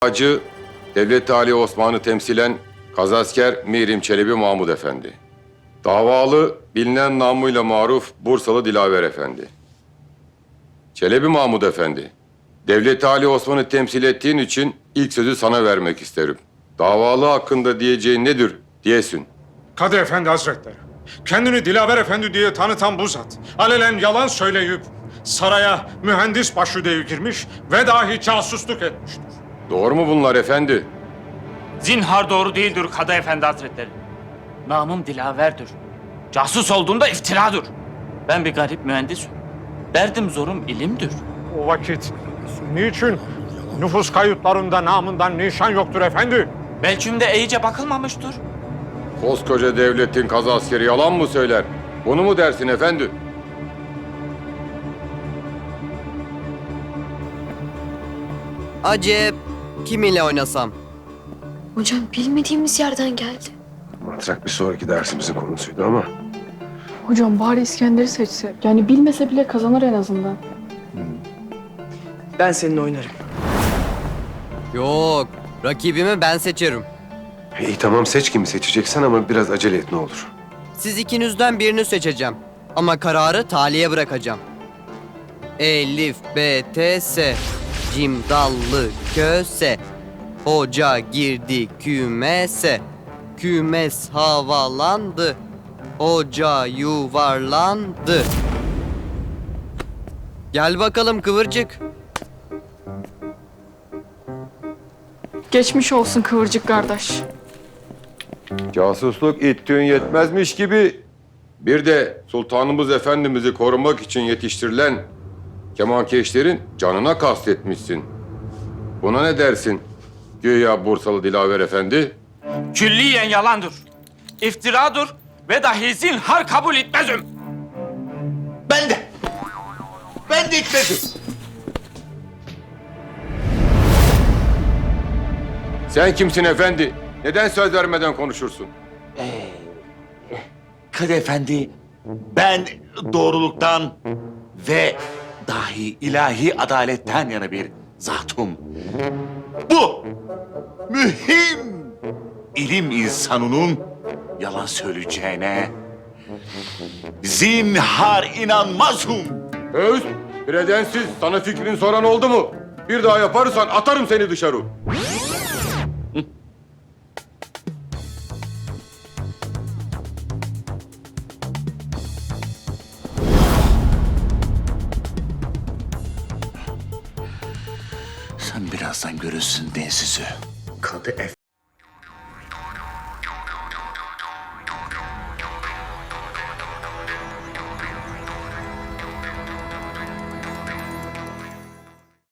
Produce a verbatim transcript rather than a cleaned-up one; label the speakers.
Speaker 1: Hacı, Devlet-i Ali Osman'ı temsilen Kazasker Mirim Çelebi Mahmud Efendi. Davalı, bilinen namıyla maruf Bursalı Dilaver Efendi. Çelebi Mahmud Efendi, Devlet-i Ali Osman'ı temsil ettiğin için ilk sözü sana vermek isterim. Davalı hakkında diyeceğin nedir diyesin.
Speaker 2: Kadı Efendi Hazretleri, kendini Dilaver Efendi diye tanıtan bu zat, alelen yalan söyleyip saraya mühendis başüdeyi girmiş ve dahi casusluk etmiştir.
Speaker 1: Doğru mu bunlar efendi?
Speaker 3: Zinhar doğru değildir Kadı Efendi Hazretleri. Namım Dilaver'dir. Casus olduğunda iftiradır. Ben bir garip mühendisim. Derdim zorum ilimdir.
Speaker 2: O vakit niçin nüfus kayıtlarında namından nişan yoktur efendi?
Speaker 3: Belçimde iyice bakılmamıştır.
Speaker 1: Koskoca devletin kazaskeri yalan mı söyler? Bunu mu dersin efendi?
Speaker 4: Acep, kim ile oynasam?
Speaker 5: Hocam bilmediğimiz yerden geldi.
Speaker 6: Matrak bir sonraki dersimizin konusuydu ama
Speaker 7: Hocam bari İskender'i seçse. Yani bilmese bile kazanır en azından.
Speaker 8: Ben seninle oynarım.
Speaker 4: Yok, rakibimi ben seçerim.
Speaker 6: iyi tamam seç kimi seçeceksen ama biraz acele et ne olur.
Speaker 4: Siz ikinizden birini seçeceğim. Ama kararı taliye bırakacağım. Elif, B, T, S. Cim, dallı, köse. Hoca girdi kümese. Kümes havalandı. Hoca yuvarlandı. Gel bakalım kıvırcık.
Speaker 7: Geçmiş olsun kıvırcık kardeş.
Speaker 1: Casusluk ittiğin yetmezmiş gibi bir de Sultanımız Efendimiz'i korumak için yetiştirilen kemankeşlerin canına kastetmişsin. Buna ne dersin güya Bursalı Dilaver Efendi?
Speaker 3: Külliyen yalandır. İftiradır ve dahi zinhar kabul etmezim.
Speaker 9: Ben de. Ben de etmedim.
Speaker 1: Sen kimsin efendi? Neden söz vermeden konuşursun?
Speaker 9: Kadı Efendi, ben doğruluktan ve dahi ilahi adaletten yana bir zatım. Bu mühim ilim insanının yalan söyleyeceğine zinhar inanmazım.
Speaker 1: Öz, predensiz sana fikrini soran oldu mu? Bir daha yaparsan atarım seni dışarı.
Speaker 9: Sen birazdan görürsün densizü. Kadı Efendi.